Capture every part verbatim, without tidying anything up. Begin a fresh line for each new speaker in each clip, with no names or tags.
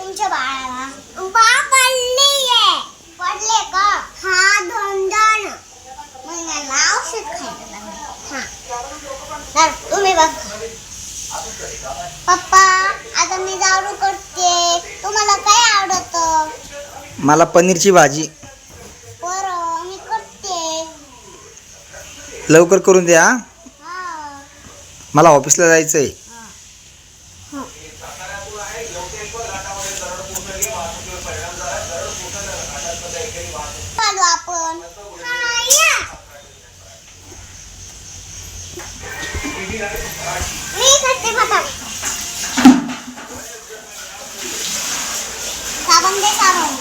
तुमच्या बाळाला बाळ पडलीये. पडले का? हा दोन दोन. मग मला औषध खायला लागलं. हा तर तुम्ही बघ पप्पा, आता मी दारू करते. तुम्हाला काय आवडतं?
मला पनीरची भाजी.
बरं, मी करते.
लवकर करून द्या.
हा.
मला ऑफिसला जायचंय.
चालू आपण. हा, या. मी करते पप्पा. साबण दे साबण.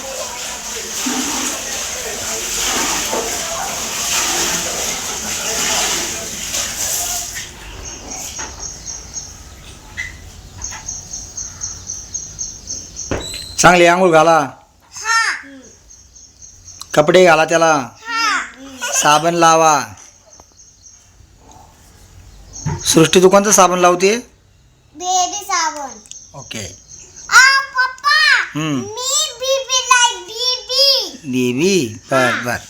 चांगली आंघोळ घाला.
हा.
कपडे घाला त्याला.
हा.
साबण लावा. सृष्टी तू कोणतं साबण लावते?
बेबी साबण.
ओके.
आ पप्पा,
हम्म.
मी बीबी लाईक बीबी.
बेबी बर बर.